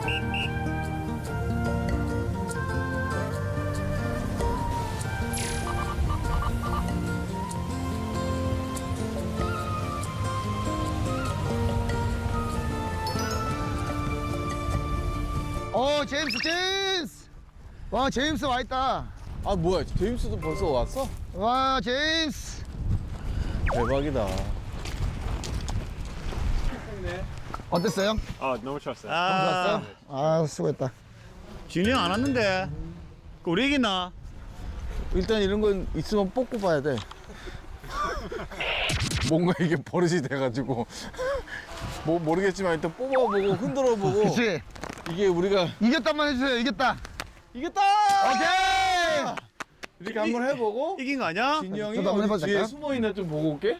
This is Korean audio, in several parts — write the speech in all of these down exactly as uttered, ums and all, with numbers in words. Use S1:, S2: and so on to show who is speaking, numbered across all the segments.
S1: 어, 제임스, 제임스! 와, 제임스 와 있다.
S2: 아 뭐야, 제임스도 벌써 왔어?
S1: 와, 제임스!
S2: 대박이다.
S1: 어땠어요?
S3: 아 너무 좋았어요.
S1: 좋았어요? 아, 수고했다.
S4: 진이 형 안 왔는데 그 우리 이기나?
S2: 일단 이런 건 있으면 뽑고 봐야 돼. 뭔가 이게 버릇이 돼가지고 뭐 모르겠지만 일단 뽑아보고 흔들어보고.
S1: 그치?
S2: 이게 우리가
S1: 이겼다만 해주세요, 이겼다.
S2: 이겼다!
S1: 오케이!
S2: 이렇게 한번 해보고
S4: 이긴 거 아니야?
S2: 진이 형이
S1: 저도 한번 해봐도
S2: 어디 뒤에
S1: 될까요?
S2: 숨어있나 좀 보고 올게.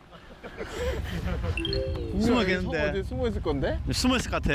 S4: 숨어
S2: 어디
S4: 있겠는데
S2: 숨어 있을 건데?
S4: 숨어 있을 것 같아.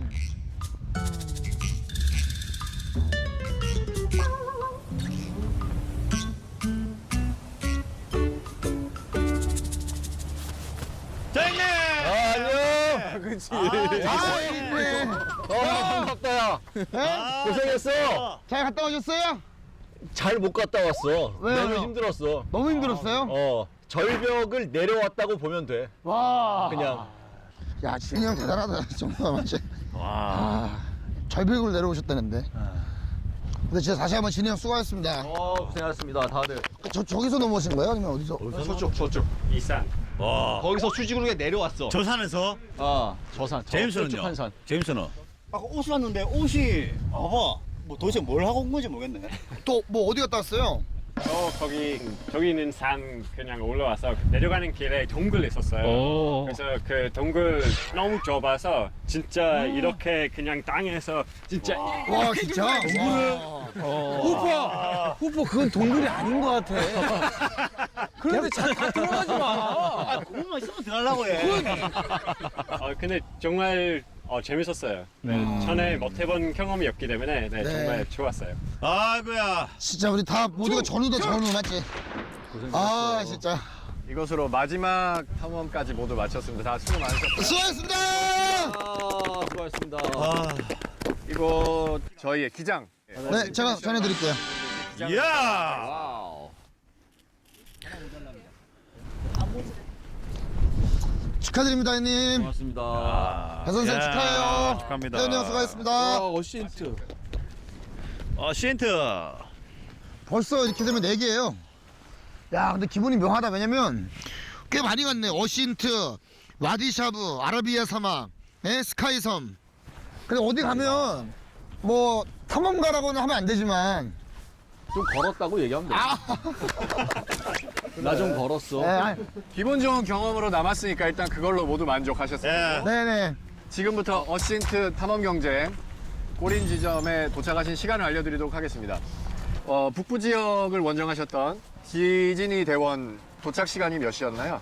S4: 자
S2: 안녕. 그렇지.
S1: 아, 이쁘네.
S2: 어, 반갑다 야.
S1: 네?
S2: 고생했어.
S1: 잘 갔다 오셨어요?
S5: 잘 못 갔다 왔어.
S1: 왜요?
S5: 너무 힘들었어.
S1: 너무 힘들었어요?
S5: 어, 절벽을 내려왔다고 보면 돼.
S1: 와.
S5: 그냥.
S1: 야, 진이 형 대단하다. 정말 맞지?
S4: 와.
S1: 아, 절벽을 내려오셨다는데. 근데 진짜 다시 한번 진이 형 수고하셨습니다.
S5: 어, 고생하셨습니다, 다들.
S1: 저, 저기서 넘어오신 거예요? 아니면 어디서?
S5: 서쪽, 서쪽.
S3: 이산.
S4: 와.
S5: 거기서 수직으로 내려왔어.
S4: 저 산에서
S5: 아, 저 산. 저
S4: 제임스는요?
S5: 저쪽 한 산.
S4: 제임스는?
S6: 아까 옷을 왔는데 옷이 봐봐 뭐 도대체 뭘 하고 온 건지 모르겠네.
S1: 또 뭐 어디 갔다 왔어요?
S3: 저 거기 저기 있는 산 그냥 올라와서 내려가는 길에 동굴 있었어요.
S4: 오.
S3: 그래서 그 동굴 너무 좁아서 진짜 이렇게 그냥 땅에서 진짜
S1: 와, 진짜? 동굴을?
S2: 후퍼! 후퍼 그건 동굴이 아닌 것 같아. 그런데 잘 들어가지 마.
S6: 아 그것만 있으면 들어가려고 해.
S3: 어, 근데 정말 어, 재밌었어요. 네, 전에 못 해본 경험이 없기 때문에 네,
S1: 네.
S3: 정말 좋았어요.
S4: 아이고야.
S1: 진짜 우리 다 모두가 전우다 전우 맞지? 아, 진짜.
S2: 이것으로 마지막 탐험까지 모두 마쳤습니다. 다 수고 많으셨고요.
S1: 수고하셨습니다!
S5: 아, 수고하셨습니다.
S2: 이거 저희의 기장.
S1: 네, 제가 전해드릴게요.
S4: 이야.
S5: 와우.
S1: 축하드립니다, 형님.
S5: 고맙습니다.
S1: 배 선생
S4: 야,
S1: 축하해요.
S4: 축하합니다.
S1: 네, 형 수고하셨습니다.
S2: 아, 어시인트.
S4: 어, 시엔트.
S1: 벌써 이렇게 되면 네 개예요. 야, 근데 기분이 묘하다. 왜냐면 꽤 많이 갔네. 어신트, 와디샤브, 아라비아 사막, 네, 스카이섬. 근데 어디 가면 뭐 탐험가라고는 하면 안 되지만
S5: 좀 걸었다고 얘기하면 돼. 나 좀 걸었어.
S1: 네, 아니,
S2: 기분 좋은 경험으로 남았으니까 일단 그걸로 모두 만족하셨습니다.
S4: 예.
S1: 네네.
S2: 지금부터 어신트 탐험 경쟁 꼬린 지점에 도착하신 시간을 알려드리도록 하겠습니다. 어, 북부 지역을 원정하셨던 지진이 대원 도착 시간이 몇 시였나요?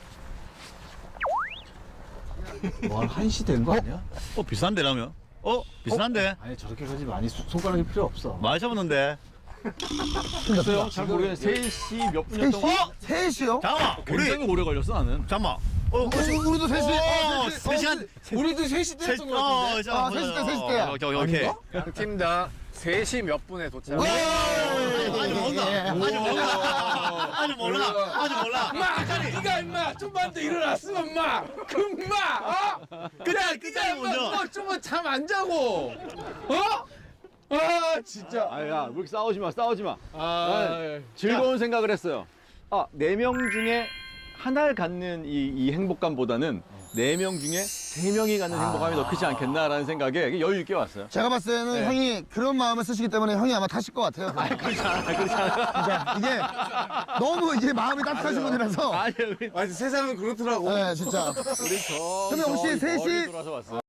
S5: 뭐, 한 시 된 거 아니야?
S4: 어, 비싼데, 라면? 어? 비싼데?
S5: 아니, 저렇게까지 많이 수- 손가락이 필요 없어.
S4: 많이 잡았는데.
S5: 글쎄요, 잘 모르겠네. 세 시 몇 분이었던 거?
S1: 세 시요?
S4: 잠깐만. 우리,
S5: 굉장히 오래 걸렸어, 나는.
S4: 잠깐만. 어,
S1: 어, 우리도 세 시.
S4: 어, 세 시간.
S2: 우리도 세 시
S4: 세, 어, 자,
S1: 아, 세 시 때, 세 시 때야.
S4: 오케이, 오케이, 오케이.
S2: 양 팀 다 세 시 몇 분에 도착.
S1: 와!
S4: 아직 몰라.
S1: 예.
S4: 아직 몰라. 아직 몰라. 아직 몰라.
S2: 니가 임마 좀만 더 일어났으면 임마 금마 어?
S4: 그래, 그래, 먼저.
S2: 좀만 잠 안 자고 어? 아 진짜
S5: 아, 야, 왜 이렇게 싸우지 마, 싸우지 마.
S2: 아
S5: 즐거운 생각을 했어요. 아, 네 명 중에 하나를 갖는 이, 이 행복감보다는 네 명 중에 세 명이 갖는 행복감이 더 크지 않겠나라는 생각에 여유 있게 왔어요.
S1: 제가 봤을 때는
S5: 네.
S1: 형이 그런 마음을 쓰시기 때문에 형이 아마 타실 것 같아요.
S5: 그렇지 않아, 그렇지 않아.
S1: 진짜 이게 너무 이제 마음이 따뜻하신 분이라서.
S5: 아니, 우리
S2: 아니 세상은 그렇더라고
S1: 네, 진짜.
S5: 우리 저
S1: 그러면 혹시 세 시-
S5: 멀리 돌아서 왔어요.